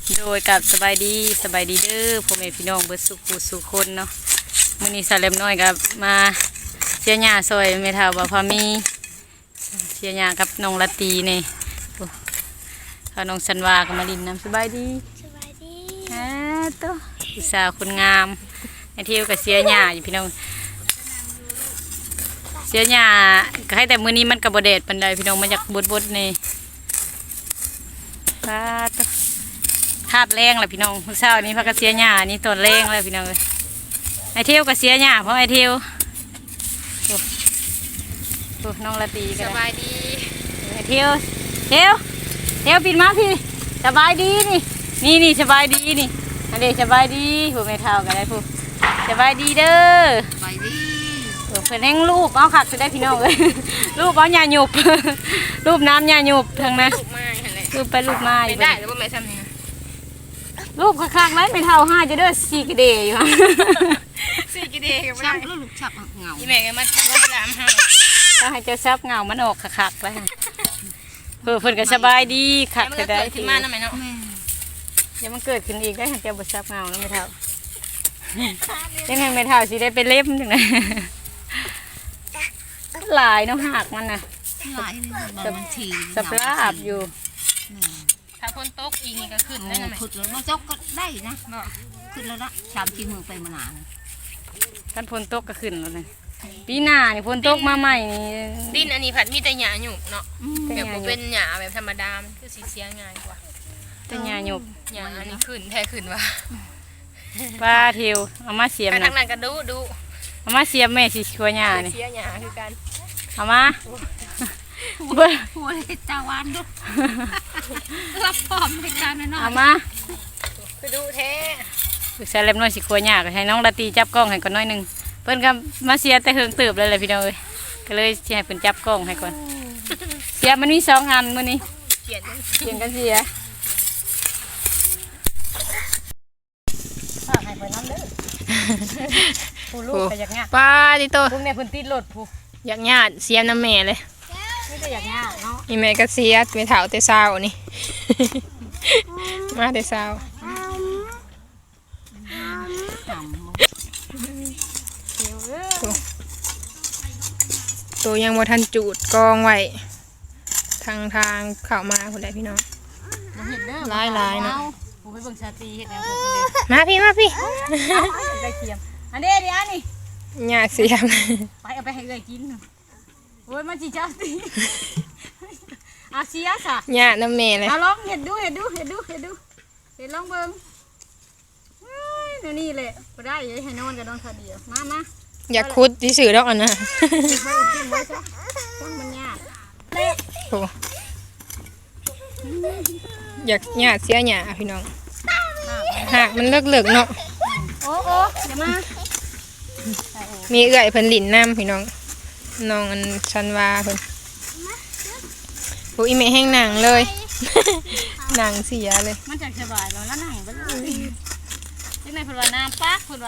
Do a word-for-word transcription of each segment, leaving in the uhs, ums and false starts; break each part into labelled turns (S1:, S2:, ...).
S1: โดยกับสบายดีสบายดีเด้อพ่อแม่พี่น้องเบิดสุขผู้สุขคนเนาะมื้อนี้สาเล็มน้อยกับมาเชียร์หญ้าซอยแม่เฒ่าบ่พอมีเชียร์หญ้ากับน้องละตีนี่โอ้ถ้าน้องสันวาก็มาลินน้ำสบายดี
S2: สบายดี
S1: ฮะตัวอุตส่าห์คนงามไอเที่ยวกับเชียร์หญ้าอยู่พี่น้องเชียร์หญ้าก็ให้แต่มื้อนี้มันก็บ่แดดปานใดพี่น้องมาจากบดๆนี่ปาดตัวธาตุแรงแหละพี่น้องเช้านี้พักกระเสียหญ้านี่ต้นแรงเลยพี่น้องเลยไอเที่ยวกระเสียหญ้าเพราะไอเที่ยวโอ้โหน้องละตีกัน
S2: สบายดี
S1: ไอเที่ยวเที่ยวเที่ยวปิดมาพี่สบายดีนี่นี่นี่สบายดีนี่อันนี้สบายดีผู้ไม่เท่ากันได้ผู้สบายดีเด้อ
S2: สบายดี
S1: เพิ่นแห่งรูปเอาขัดจะได้พี่น้องเลย รูปเอาหญ้าหยุบ รูปน้ำหญ้าหยุบทั้งนั้น
S2: ลูกไม้เห็นเลย
S1: รูปไปรูปมาอ
S2: ไม่
S1: ยู่
S2: ได้หรือว่าไม่ทำยังไง
S1: รูปข้างๆไว้ไม่เท่าห้าจะเด้อสี่กระเดยอยู่
S2: สี่กิเดย์ก็ไม่ได้ลูกฉับเงาอีแม่ก็มาก็ไปลามให้
S1: ต้องให้เจ้าซับเงามันออกคักๆแล้วเพื่อเพิ่นก็สบายดีคัก
S2: มัน
S1: จะ
S2: ก็
S1: ได้
S2: เกิดขึ้นมาทำไมเนาะ
S1: เดี๋ยวมันเกิดขึ้นอีกได้ให้เจ้าบ่ซับเงาแล้วไม่เท่ายังไงไม่เท่าสิได้เป็นเล็บจังได๋หลายเนาะหักมันน่ะ
S2: หลายเลยบางที
S1: สภาพอยู่
S2: ถ้าคนตกอีกนี่ก็ขึ้นได้นะแม่ขึ้นแล้วมาจกก็ได้นะขึ้นแล้วละชามที่มือไปมานาน
S1: กันฝนตกก็ขึ้นแล้วนี่ปีหน้านี่ฝนตกมาใหม่นี่
S2: ดินอันนี้ผัดมีแต่หญ้าหยุบเนาะ
S1: แต่
S2: แบบ
S1: หญ้าหยุบ
S2: เป็นหญ้าแบบธรรมดามันคือสีเสียง่ายกว่า
S1: แต่หญ้าหยุบ
S2: หญ้าอันนี้ขึ้นแท้ขึ้นว่ะ
S1: ป้าเทียวเอามาเสียม
S2: ไป
S1: นะ
S2: ทางนั้นก็ดูดู
S1: เอามาเสียมแม่สิชัวหญ้านี่
S2: เสียหญ้าคือกัน
S1: เอามาเบิ่ง
S3: หัวเลยตาวานด้วยรับพร้อมในการน้อย
S1: เอามา
S2: คือดูแท้
S1: ปรึกษาเล็บน้อยสิครัวหยากให้น้องละตีจับกล้องให้ก่อนน้อยหนึงเพิ่นก็มาเสียแต่เฮิงตืบเลยแหละพี่น้องเอ้ยก็เลยสิให้เพิ่นจับกล้องให้ก่อนเสียมันมีสองอันมื้อนี้
S2: เขียน
S1: เสียงกันเสียฝากให้เพิ่นนำเด้อผู้ลูกก็อยากงาก
S2: ป้าดิโต
S1: พวกเนี่ยเพิ่นติดรถผู้
S2: อยากญาติเสียน้ำแม่เลย
S1: นี่ก็อยากงากเนาะ
S2: อีแม่ก็เสียไปเถาแต่เช้านี่ มาแต่เช้า
S1: เดี๋ยวเอ้ย
S2: ตัวยังบ่ทันจูดกองไว้ทางทางเข้ามาคนใดพี่น้อง
S1: บ่เฮ็ดเด้อ
S2: หลายๆเนาะ
S1: ผู้ไปเบิ่งชาตรีเฮ็ดแนวเพิ่นเด้อ
S2: มาพี่มาพี่
S1: ได้เคียมอันนี้เดี๋ยวนี่
S2: ญาติเสียม
S1: ไปเอาไปให้เลยกินโอ้ยมันจีจ้าตีอาเซียสะ
S2: ญาติน้ำแม่เลย
S1: เอาลองเห็ดดูเห็ดดูเห็ดดูเห็ดดูเห็ดลองเบิ้งเฮ้ยเดี๋ยวนี่แหละไปได้อยังให้นอนกับนอนคาเดียวมามา
S2: อยากคุดที่สื่อดอกอันนะ
S1: กินไว้กินไว้ซะต้องมันยาก
S2: โอ้อยากญาติเสียหยาพี่น้องหากมันเลิกเลิกๆเนาะ
S1: โอ้โอ้เดี๋ยวมา
S2: มีเอื่อยเพิ่นหลินน้ำพี่น้องน้องอันชันวาเพิ่นโอ้ยแม่แห้งหนังเลย หนังเสียเลย
S1: มันจะสบายแล้วแล้วนั่งไปเลยที่ไหนพูดว่าน้ำปักพูดว่า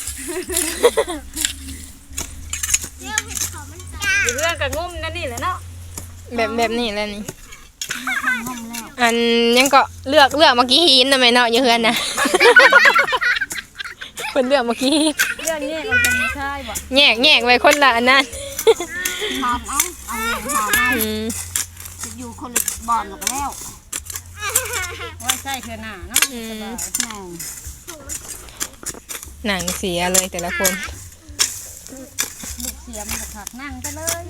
S1: อยู่เรื่องกับงุ้มนั่นนี่แหละเนาะ
S2: แบบแบบนี้แหล้วนี่อันยังก็เลือกเลือกเมื่อกี้หินทำไมเนาะอยู่เฮือนนะ เพิ่นเลือกเมื่อกี้
S1: เรื่องนี้มันเป็นใช่บ่
S2: แยกแยกไว้คนละอันนั้น
S3: ๆหอมเอาเอาหอมเอา
S2: อืม
S3: อยู่คนละบอลหรอกแล้ว
S1: ว่าใช่เธอหน้าเนาะสบาย
S3: แม่
S2: หนังเสียเลยแต่ละคน
S1: ลูกเสียมันผักนั่งไปเลย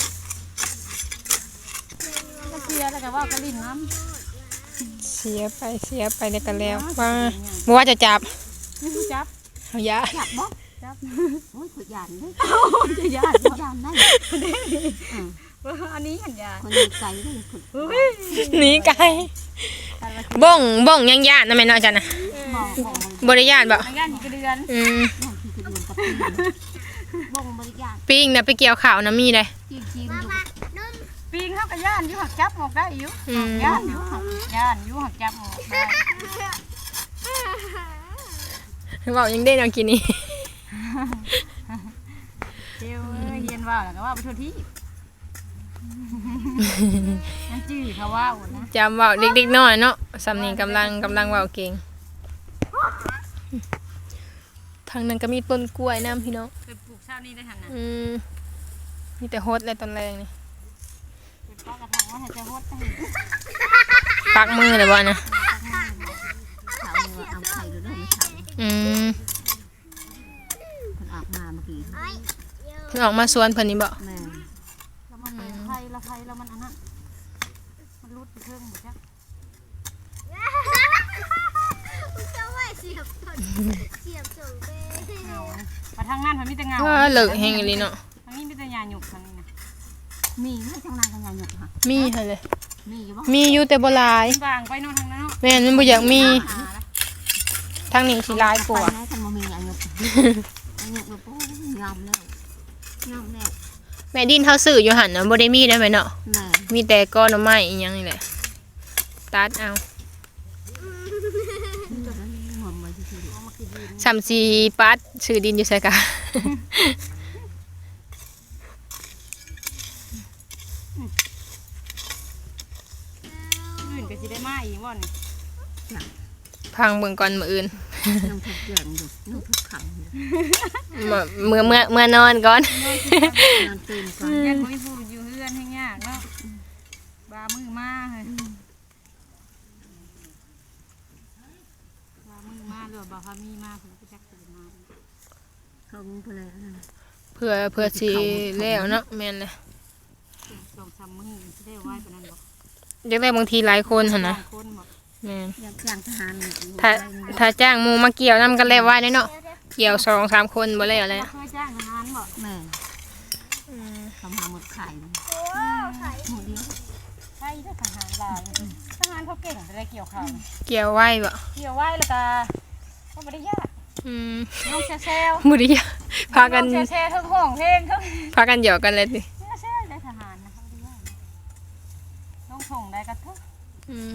S1: ก็เสียแล้วก็ว่ากระลิ่นน้ำ
S2: เสียไปเสียไปแล้วกันแล้วว่าบ่ว่าจะจับ
S1: นี่ผู้จับ
S2: เอายา
S3: จับบ่
S1: จับ
S3: โอ้ยขดหยานเลย
S1: จะยาก
S3: ขดหยานได้
S1: ว่าอันนี้หันยา
S3: คนมีใจเลยขด
S1: เฮ้ย
S2: หนีไกลบ้องบ้องยังญาตินะแม่เนาะจันนะ
S3: หมอของมัน
S2: บ่ได้ญาติบ่
S1: ทางด้านอีกเดือน
S2: อืม
S3: อย่างที่คือเดือนกับปีบ่งบริการ
S2: ปิ้งน่ะไปเกี่ยวข้าวนะมีเลย
S3: จีนจีนอยู่
S1: ปีงเขาก็ย่านอยู่หักจับออกได้อยู่
S2: อืม
S1: ย่านอยู่หักย่านอยู่หักจับออกได้
S2: เว้ายังได้เนาะกินนี่
S1: เจ้าเอ้ยเฮียนว่าแล้วก็ว่าไปทั่วที่
S3: นั่นจื้อเขาว่าอุ่นนะ
S2: จำเว้าเด็กๆน้อยเนาะสำนี้กำลังกำลังเว้าเก่งทางนั้นก็มีต้นกล้วยน้ำพี่น้อง
S1: เคยปลูกชาตินี้ได้หันนะ
S2: อืมมีแต่โฮดเลยตอนแรกนี่
S3: เป็นป้ากระถางว่าให้จะฮดให้
S2: ปักมือเลยบ่นะ
S4: เขาเอาไข่หรือเรื่องไม่เขา
S2: อืม
S4: คนออกมาเมื่อกี้
S2: เพิ่นออกมาสวนเพิ่นนี่บ่
S4: แม่
S3: แล้วมันเป็นไข่ละไข่แล้วมันอันนั้นมันรุดไปเครื่องหมดจ้ะ
S1: เงามาทางนั้นมันมีแต่เงา
S2: ว่าเลิกแฮงอีหลีเนาะ
S1: ทางนี้มีแต่หญ้าหยุกทางนี้นะ
S4: มีไม่ช่างนานกันยาหยกค่ะ
S2: มีหั่นเลย
S4: มีอยู่บ่
S2: มีอยู่แต่บ่หลาย
S1: บางไปโน่นทางนั้นเนาะ
S2: แม่นมันบ่อยากมี
S1: หาละ
S2: ทางนี้สิหลายกว่า
S4: ไปนะกันมามียาหยกยาหยกแบบโอ้ยอมแล้วยอมแล้ว
S2: แม่ดินเฮาซื้ออยู่หั่นน่ะบ่ได้มีได้ไหมเนาะ
S4: แม่
S2: มีแต่ก้อนหน่อไม้อีหยังนี่แหละตัดเอา
S4: ตัวนั้นหอมมาทีเดียวเอามากินดิน
S2: สามสี่ปัดซื้อดินอยู่ไสกะ
S1: อื่นก็สิได้มาอีกว่านี่
S2: พังเบิ่งก่อนมื้ออื่น
S4: น้องทุกเดือนอยู่น้องทุกขังอยู่
S2: เมื่อเมื่อเมื่อเมื่อนอนก่อน
S4: นอนตื่นก่อน
S1: ยันบ่มีผู้อยู่เฮือนให้ยากเนาะบามือมาเฮ้ยบามือมาหรือว่าบาพามีมาเพิ่นก็จักสิมา
S4: เขาไปเลยนะ
S2: เพื่อเพื่อสิแล้วเนาะแม่นเลย
S1: สองสามมื้อสิได้ไหว้ปานนั้นบ่
S2: อยากได้บางทีหลายคนหั่นนะ
S1: บางคนบ่
S2: แม่น
S4: อยากจ้างทหาร
S2: ถ้าถ้าจ้างหมู่มาเกี่ยวนํกันแล้วไว้ได้เนาะเกี่ยวสองสามคนบ่แล้วแหละ
S1: เคยจ้างทหารบ่
S4: แม่เขามาหมดไข่หมดเดียว
S1: ใช่เด้อทหารหลายทหารเขาเก่งจะได้เกี่ยวข้าว
S2: เกี่ยวไว้บ่
S1: เกี่ยวไว้แล้วก็ก็บ่ได้ยาก
S2: อืม
S1: น้องแซว
S2: มื้อนี้พากัน
S1: น้องแซวทั้งห้องเพลงทั้ง
S2: พากันหยอกกันเลยติ
S1: แซวได้ทหารนะคะบ่ได้ยากน้องส่งได้ก็เถอะ
S2: อืม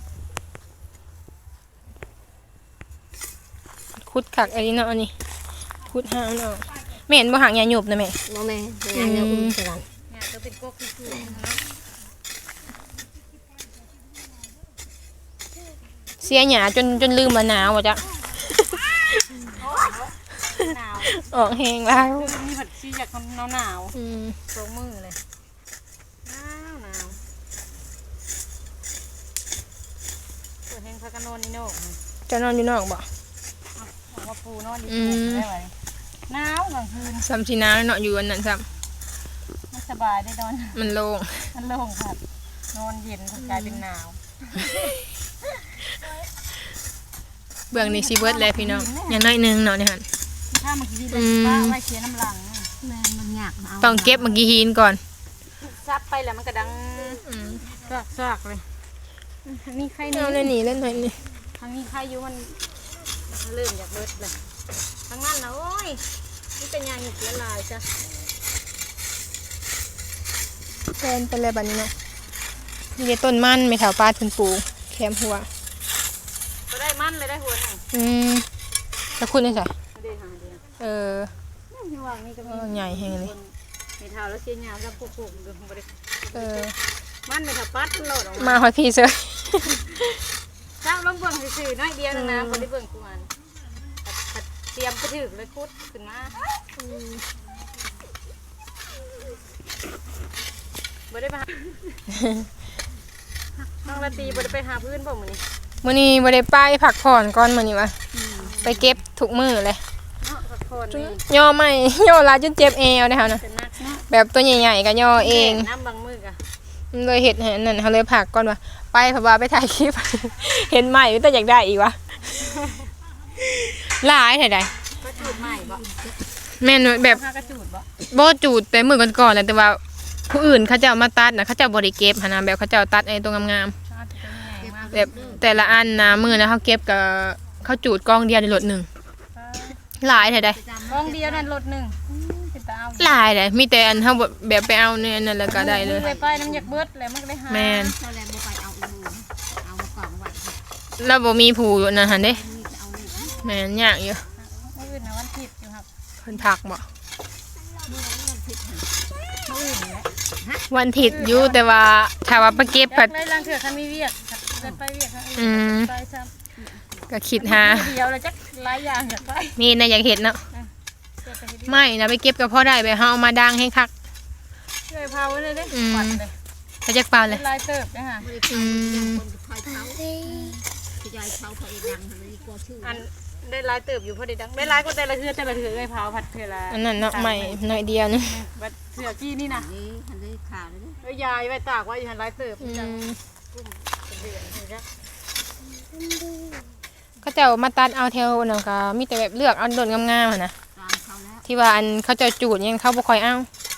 S2: ขุดคักอันนี้เนาะอันนี้ขุดหางเนาะแม่นบ่หางยาหยบนะแม่
S4: โมแม่ยาหยกอุ้มสลัด
S1: เนี่ยก็เป็นกกคือๆเนาะ
S2: เสียหยาจนจนลืมว่าหนาวว่าจ๊ะ
S1: หนาว
S2: ออกแหงแล้ว
S1: คือมีผัดชีอยากหนาวหนาว
S2: อืม
S1: สองมือเลยหนาวหนาวเปิดเพลงพากันนอนนี่โน่
S2: จะนอนอยู่นอกบ่
S1: ออกมาปูนอนดี
S2: อืม
S1: ได้ไหมหนาวกลางคืน
S2: ซ้ำสิหนาวเนาะอยู่อันนั้นซ้
S1: ไม่สบายได้นอน
S2: ำมันโล่ง
S1: มันโล่งครับนอนเย็นกลายเป็นหนาว
S2: เบื้องนี้สิเบิดแล้วพี่น้องอย่างน้อยหนึงเนาะนี่หั่น
S1: ถ้าเมื่อกี้
S2: อื
S1: เลย
S2: ม
S1: ป้าไว้เคียน้ำหลัง
S4: แม่มันยากเอา
S2: ต้องเก็บเมื่อกี้หินก่อน
S1: ซับไปแล้วมันก็ดัง
S2: อืม
S1: ซากซากเลยทางนี้ใคร
S2: เอา
S1: นี่
S2: เลยนี่เล่นหน่อยนี่
S1: ทางนี้ใครอยู่มันเริ่มอยากเบิดเลยทางนั้นนะโอ้ยนี่เป็นยางหยุกละลายจ้ะ
S2: แทนไปเลยบัดนี้เนาะนี่ได้ต้นมันไม่เท่าปลาทุนปูแคมหัว
S1: ก็ได้มันเลยได้หัวหนึ่ง
S2: อืมแล้วคุณได้ใส่
S1: ไม่ได้หาเดียว
S2: เออ
S1: นี่วางนี่ก็มี
S2: ใหญ่แฮงเลย
S1: ในเท้าแล้วเชียร์ยาวแล้วพวกผมดูบริ
S2: เออ
S1: มันในถับปัดมันโหลดออก
S2: มาหอยพี่เซย
S1: เจ้าลงเบิ่งสื่อๆน้อยเดียวนึงนะคนที่เบิ่งกูมันเตรียมไปถึงเลยคุดขึ้นมาบ่ได้ไปหาน้องละตีบ่ได้ไปหาพื้นบ่มื้อนี้
S2: มื้อนี้บ่ได้ไปพักผ่อนก่อนมื้อนี้วะไปเก็บทุกมื้อเลย
S1: เนาะพักผ่อนนี่
S2: ย่อไม่ ย่อลาจนเจ็บเอวนะคะนะ
S1: เป็นนักเนาะ
S2: แบบตัวใหญ่ๆก็ย่อเอง
S1: น้ำบางมือกะ
S2: มันเลยเห็ดให้อันนั่นเขาเลยผักก่อนว่าไปเพราะว่าไปถ่ายคลิป เห็นใหม่แต่อยากได้อีกวะหลายถ่ายได้
S1: ก็จูดใหม่บ่
S2: แม่นแบบ
S1: ผ้ากระจูดบ่
S2: บ่จูดแต่มือก่อนๆแหละแต่ว่าผู้อื่นเขาเจ้ามาตัดนะเขาเจ้าบ่ได้เก็บหันนะแบบเขาเจ้าตัดไอ้ตัวงาม
S1: ชาติเป็นไงมาก
S2: ๆแบบแต่ละอันนะมือนะเขาเก็บกับเขาจูดกองเดียวในรถหนึ่งหลายถ่ายได้
S1: กองเดียวนั่นรถหนึ่งเป็นตาเอา
S2: หลายเลยมีแต่อันเขาแบบไปเอาเนี่ยนั่นแล้วก็ได้เลย
S1: ไปไปน้ำอยากเบิดแล้วมันก็ได้หา
S2: แม่น
S4: เราแลบ่ไปเอาอูเอามากล่องไว้
S2: แล้วบ่มีผู้นั่นหันเด้
S4: นี่จะเอาอู
S2: แม่นยากอยู่
S1: มื่ออื่นนะวันผิดอยู่ครับ
S2: เพิ่นผักบ่
S1: มื่ออื่นแหละ
S2: วันถิดอยู่แต่ว่าถ้าว่าไปเก็บผัด
S1: ได้ลังเถื่อคันมีเวียกเดินไปเวียกค่ะ
S2: อืม
S1: ไปซ้
S2: ก็คิดหา
S1: ำเดียวเลยจักหลายอย่างอยากไป
S2: มีนะอยากเห็นเนาะ
S1: เดี๋ยวไปเฮ็ด
S2: ไม่นะไปเก็บก็พอได้ไปเฮาเอามาดังให้คัก
S1: เลยพาไว้เลยเด้
S2: อืม
S1: ปัดเลย
S2: ไปจักเปล่าเลย
S1: เป็นลายเติบนะฮะ
S2: อืม
S4: คนคอยเขาขยายเขาเขาเองดังเลยกลัวชื่อ
S1: อันได้ลายเติบอยู่พอดีดังได้ลายก็แต่ละเถื่อแต่ละเถื่อเลยพาผัดเถื่อละ
S2: อันนั้นเนาะใหม่หน่อยเดียวนึง
S1: บัดเถื่อกี้นี่นะ
S4: นี่ทันได้ข่าวเลย
S1: แล้วยายไว้ตากไว้อยู่หันลายเติบ
S2: อื
S1: จัง
S2: ม
S1: เป็นเดือนเห็นไหม
S2: เขาเจ้ามาตัดเอาแถวนั่นก็มีแต่แบบเลือกเอาโดนงามๆหั่นนะ
S4: ตามเขาแล้ว
S2: ที่ว่าอันเขาเจ้าจูดยังเขาบ่ค่อยเอา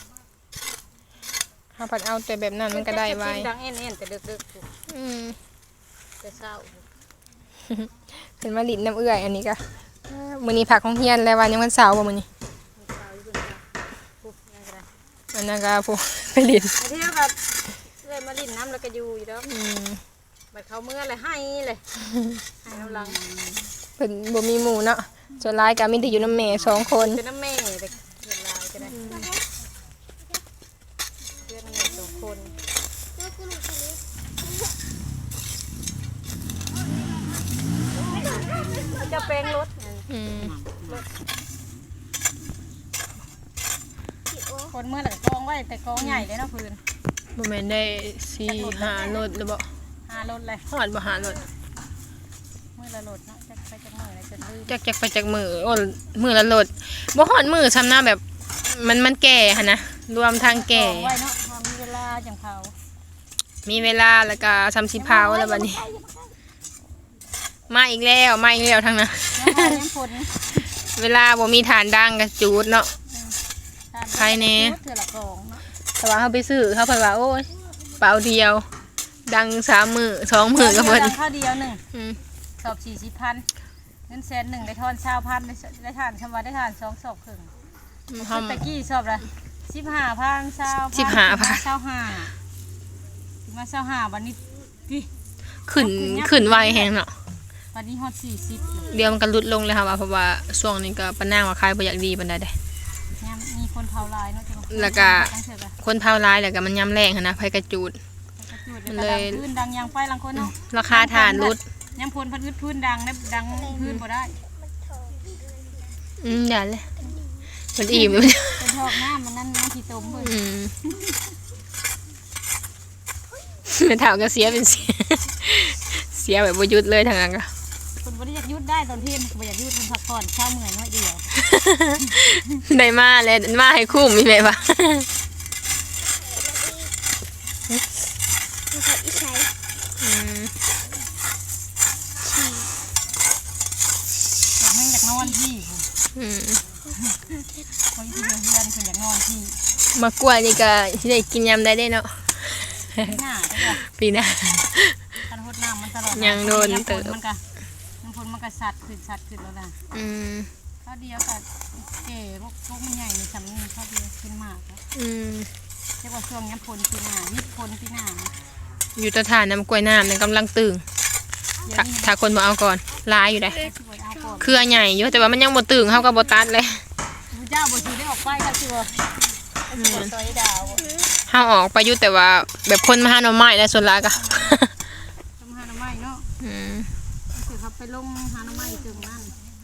S2: เฮาผัดเอาแต่แบบนั้นมันก็ได้ไว้
S1: ดังเอ็นเอ็นแต่ดึกๆถูก
S2: อืม
S1: แต่เศร้า
S2: เป็นมาลิ้นน้ำเอื้อยอันนี้ก็เอ้อมื้อนี้ผักของเฮียนแล้ววันยังวันเสาร์บ่มื้อนี้
S1: เศร้าอยู่เป็นปุ๊บยังไง
S2: อันนั้นก็ผู้ ไปลิ้น
S1: ไอ้ที่แบบเลยมาลิ้นน้ำแล้วก็อยู่อยู่แล้ว
S2: อืม
S1: บัดเขาเมื่อเลยให้เลยให้น้ำลัง
S2: เพิ่นบ่มีหมู่เนาะส่วนหลายก็มีแต่อยู่น้ำแม่สองคน
S1: เป็นน้ำแม่แต่เกิดลายก็ได้เพื่อนน้ำแม่สองคนจะแปลงรถ
S2: อืม
S1: คนเมื่อไหร่กองไว้แต่กองใหญ่เลยเนาะพื้น
S2: บ่แม่นได้สี่ห้ารถหรือบ่
S1: หารถเลย
S2: ฮอดบ่หารถ
S1: เมื่อละรถเนาะจะไปจะเมื่อไรจะลืม
S2: จักจักไปจักมือโอ้มือละรถบ่ฮอดมือซ้ำหน้าแบบมันมันแก่หั่นนะรวมทางแก่
S1: กองไว้เนาะพอมีเวลาจังเผา
S2: มีเวลาแล้วก็ซ้ำสิพาวแล้วบัดนี้ มาอีกแล้วมาอีกแล้วทั้งนั้น
S1: ยังพอยังผล
S2: เวลาบ่มีฐานดังก็จูดเนาะ ใครแน่
S1: เถื่อละกองเนาะ
S2: แต่ว่าเฮาไปซื้อเขาเพิ่นว่าโอ้ยเปล่าเดียว ดังสามมือสองมือก็เพิ่น
S1: ข้าวเดียวหนึ่ง
S2: อืม
S1: สอบสี่สิบพันเงินแสนหนึ่งได้ทอนเช้าพันได้ได้ทานชำว่าได้ทานสองสอบครึ่ง
S2: เฮา
S1: ตะกี้สอบละสิบห้าพันเช้า
S2: สิบห้าพัน
S1: เช้าห้าถึงมาเช้าห้าวันนี้พี่
S2: ขึ้นขึ้นไวแฮงเนาะ
S1: วันนี้ฮอดสี่สิบ
S2: เดี๋ยวมันก็ลดลงเลยค่ะว่าเพราะว่าช่วงนี้ก็ปานนางว่าขายบ่อยากดีปานใดเด้
S1: เนี่ยมีคนเผาลายเนาะจังหะ
S2: แล้วก็
S1: ตั้งเถอะกะ
S2: คนเผาร้ายแล้วก็มันยำแรงหันนะไผกระจูด
S1: กระจุดแล้วก็ดังพื้นดังยางไฟลังคนเนาะ
S2: ราคาฐานลด
S1: ยังพลพันธุ์พื้นดังนะดังพื้นบ่ได้
S2: อืมอย่าเลยมันอิ่มเลย
S1: เป็นทอกหน้ามันนั่นน้ำที่ต้มเบิ่ง
S2: อืมไม่เท่าก็เสียเป็นเสีย เสียแบบบ่หยุดเลยทางนั้นก็
S1: คนบ่ได้อยากยุดได้ตอนเที่ยงบ่อยากยุดคนพักผ่อนเช้าเมื่อยน้อยเดียว
S2: ได้มาเลยมาให้คุ้มมีไหมวะอืม
S1: อยากให้อยากนอนที่
S2: อืม
S1: คนที่เพื่อนคนอยากนอนที่
S2: มากล้วยนี่ก็สิได้กินยำได้เด้เนาะ
S1: หน้าก็
S2: ปีหน้า
S1: คันหดน้ำมันตลอด
S2: ยังโดนเติ
S1: เติ
S2: บ
S1: มันก็มันพลมันก็สัตว์ขึ้นสัตว์ขึ้นแล้วนะ
S2: อืม
S1: ข้าวเดียวกับเก๋พวกพวกมันใหญ่ในสำนีข้าวเดียวขึ้นมากครับ
S2: อืม
S1: เรียกว่าช่วงนี้พลปีหน้ามิดพลปีหน้า
S2: อยู่ตะฐานน้ำกล้วยน้ำนั่นกำลังตึง
S1: เดี๋ยว
S2: ถ้า
S1: นี้
S2: ถ้าคนบ่เอาก่อนลายอยู่ได้
S1: สิบเอาก่อน
S2: เครือใหญ่อยู่แต่ว่ามันยังบ่ตึงเฮาก็บ่ตัดเลย
S1: พระเจ้าบ่ถือได้ออกไปค่ะสิบ่สิบ่ซอยดาว
S2: เฮาออกไปอยู่แต่ว่าแบบคนมาหาหน่อไม้และส่วนหลายก็
S1: ทำหาหน่อไม้เนาะ
S2: อืม
S1: คือเขาไปลงหาหน่อไม้จึงนั่น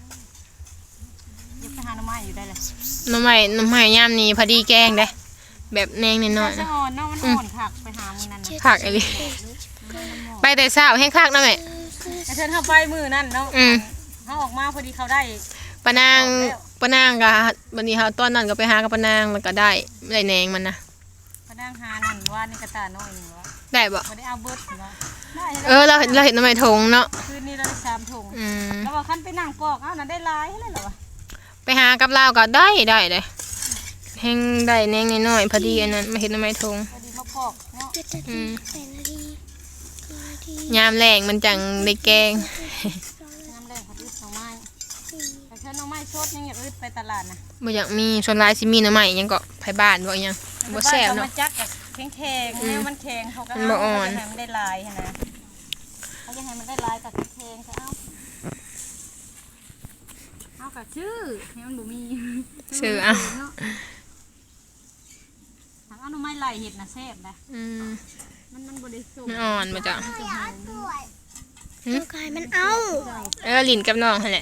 S1: อยากไปหาหน่อไม้อยู่ได้เลย
S2: หน่อไม้หน่อไม้ยามนี้พอดีแกงได้แบบแนงนิดหน่อย
S1: จะ
S2: นะ
S1: อ่อนเนาะมันอ่อนผักไปหามือนั่นนะ
S2: ผักอะไรไปแต่เช้าแห้งคักนะแม่
S1: แต่เชิญเข้าไปมือนั่นเนาะ
S2: อืม
S1: เขาออกมาพอดีเขาได้
S2: ปะนางปะนางก็บัดนี้เฮาตอนนั้นก็ไปหากับปะนางแล้วก็ได้ได้แหนงมันนะ
S1: พนังหานั่นว่านี่กระตาน้อยหนึ่งวะ
S2: ได้บ่
S1: ไม่ได้เอาเบิร์ดเนาะได้
S2: เออเราเห็นเราเห็นหน่อไม้ทงเนาะ
S1: คืนนี้เราได้สามถุง
S2: อืม
S1: แล้วว่าขั้นไปนั่งปอกเอ้านั่นได้หลายเลยเหรอวะ
S2: ไปหากับลาวก็ได้ได้เลยแห้งได้แหนงน้อยๆพอดีอันนั้นมาเห็นหน่อไม้ทง
S1: พอดีมาปอกเนาะ
S2: อืมยามแรงมันจังได้แกง
S1: น้ำแรงพอดีหน่อไม้แต่เชิญหน่อไม้สดยังอยากอึดไปตลาดนะ
S2: บ่อยากมีส่วนหลายสิมีหน่อไม้หยังก็ไผบ้านบ่อิหยังบ่แซ่บ
S1: เนาะ
S2: เนาะ
S1: จักกับแข็งแข็งเนี่ยมันแข็งเขาก็
S2: มันบ่อ่อน
S1: เขาจะให้มันได้ลายนะเขาจะให้มันได้ลายกับแข็งเขาเอาเอากับชื่อให้มันบ่มี
S2: ซื้อเอา
S1: ถามเอาหน่อไม้ไหลเห็ดนะแซ่บนะ
S2: อืม
S1: มันมันบริสุท
S2: มัน
S1: ธิ์
S2: อ่อนมาจ้ะ
S4: ตัวกายมันเอา
S2: เออลิ้นกับน้องหั่นแหละ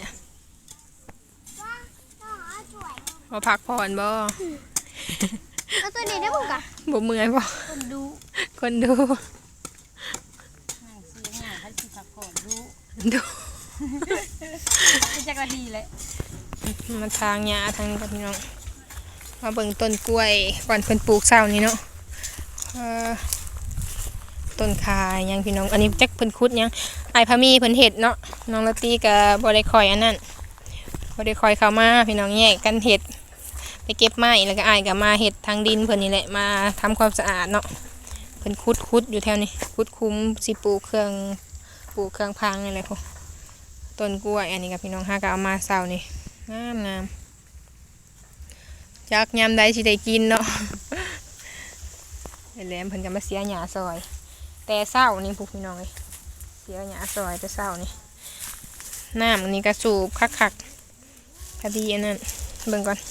S2: พอพักผ่อนบ่
S4: เอาตัวนี้ได้บุกอะ
S2: บ่เมื่อยบ่
S1: คนดู
S2: คนดู
S1: นั่งเสียงหน้าเขาสิพักผ่อนดู
S2: ดู
S1: เป็นจักรดีเลย
S2: มาทางหญ้าทางนี้กับพี่น้องมาเบิ่งต้นกล้วยก่อนเพิ่นปลูกเช้านี้เนาะเอ่อต้นคาหยังพี่น้องอันนี้จักเพิ่นขุดหยังไอ้ายพามีเพิ่นเฮ็ดเนาะน้องละตีก็บ่ได้คอยอันนั้นบ่ได้คอยเข้ามาพี่น้องแยกกันเฮ็ดไปเก็บไม้แล้วก็อ้ายก็มาเฮ็ดทางดินเพิ่นนี่แหละมาทำความสะอาดเนาะเพิ่นขุดขุดอยู่แถวนี้ขุดคุ้มสิปลูกเครื่องปลูกเครื่องพังนี่แหละพวกต้นกล้วยอันนี้กับพี่น้องหาก็เอามาเช้านี่งามงามจักยามใดสิได้กินเนาะ ไอ้แหลมเพิ่นก็มาเสียหญ้าซอย แต่เช้านี่พวกพี่น้องเอ้ยเสียหญ้าซอยแต่เช้านี่น้ำอันนี้ก็สูบคักๆพอดีอันนั้นเบิ่งก่อน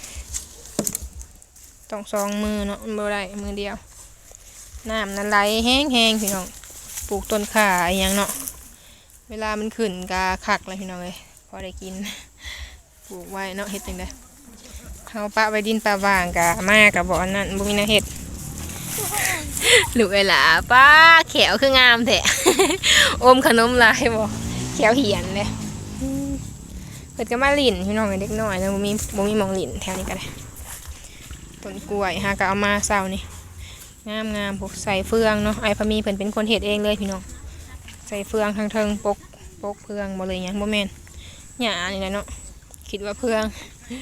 S2: ต้องสองมือเนาะมันบ่ได้มือเดียวน้ำนั้นไหลแห้งๆพี่น้องปลูกต้นข่าอหยังเนาะเวลามันขึ้นก็คักเลยพี่น้องเอ้ยพอได้กิน ปลูกไว้เนาะเฮ็ดจังได๋เฮาปะไว้ดินปลาว่างกะมากับบ่อนนั้นบ่มีแนวเฮ็ด ลูกเอ้ยล่ะป้าแขวคืองามแท้ อมขนมลายบ่แขวเหียนเลยอืมเพิ่นก็มาลิ้นพี่น้องเด็กน้อยแล้วบ่มีบ่มีหม่องลิ้นแถวนี้ก็ได้ต้นกล้วยหาก็เอามาเช้านี่งามๆพวกใส่เฟืองเนาะไอ้พามีเพิ่นเป็นคนเฮ็ดเองเลยพี่น้องใส่เฟืองทางเทิงปกปกเฟืองบ่เลยหยังบ่แม่นหญ้านี่แหละเนาะคิดว่าเฟือง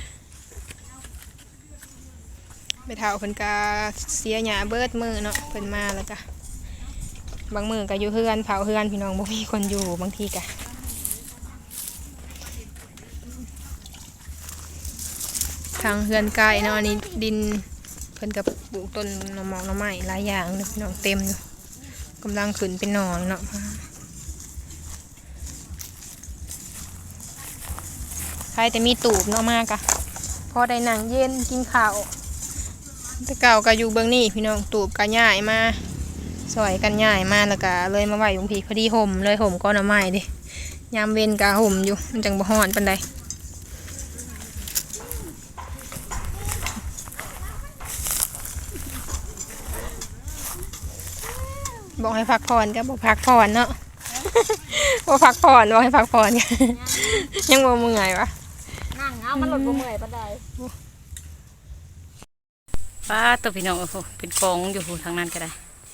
S2: ไปเท่าเพิ่นก็เสียหญ้าเบิดมือเนาะเพิ่นมาแล้วก็บางมือก็อยู่เฮือนเผาเฮือนพี่น้องบ่มีคนอยู่บางทีก็ทางเฮือนไก่เนาะอันนี้ดินเพิ่นก็ปลูกต้นหน่อหมอกหน่อไม้หลายอย่างเลยพี่น้องเต็มอยู่กำลังขึ้นเป็นหน่อเนาะใครแต่มีตูบเนาะมากอะพอได้นั่งเย็นกินข้าวแต่เก่าก็อยู่เบื้องนี้พี่น้องตูบก็ย่ายมาซอยกันย่ายมาแล้วก็เลยมาไหวบางทีพอดีห่มเลยห่มก้อนเอาไม้ดิยามเว้นก็ห่มอยู่มันจังบ่ฮ้อนปานใดบอกให้พักผ่อนก็บอกพักผ่อนเนาะ บอกพักผ่อนบอกให้พักผ่อน ยังบ่เมื่อยวะ
S1: นั่งเอามันหลดบ่เมื่อยปานใดป้าตัวพี่น้องโอ้โหเป็นกองอยู่ทางนั้นก็ได้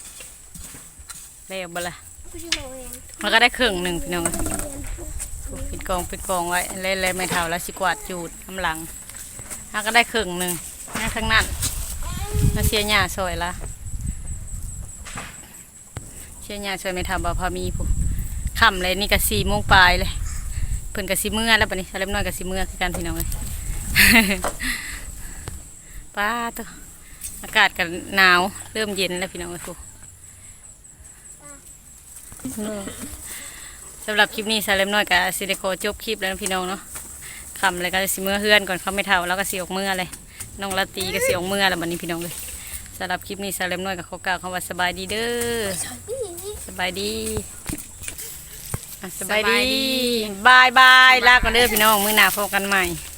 S1: แล้วบ่ล่ะมันก็ได้ครึ่งหนึ่งพี่น้องเป็นกองเป็นกองไว้เล่นๆไม่เท่าแล้วสิกวาดจูดกำลังมันก็ได้ครึ่งหนึ่งนั่นข้างนั้นมาเสียหญ้าซอยละเสียหญ้าซอยไม่เท่าบ่พอมีผู้ค่ำเลยนี่ก็สี่โมงปลายเลยเพิ่นก็สิเมื่อแล้วบัดนี้เล็บน้อยก็สิเมื่อคือกันพี่น้องเลย ป้าตัวอากาศก็หนาวเริ่มเย็นแล้วพี่น้องเลยผู้สำหรับคลิปนี้ซาเล็มน้อยกับซิลิโคจบคลิปแล้วนะพี่น้องเนาะคำเลยก็สิเมื่อเฮือนก่อนเขาไม่เท่าแล้วก็เสียกเมื่อเลยน้องละตีก็เสียกเมื่อแล้วบัดนี้พี่น้องเลยสำหรับคลิปนี้ซาเล็มน้อยกับเขากล่าวคำว่าสบายดีเด้อสบายดีอ่ะสบายดีบายบายลาก่อนเด้อพี่น้องมื้อหน้าพบกันใหม่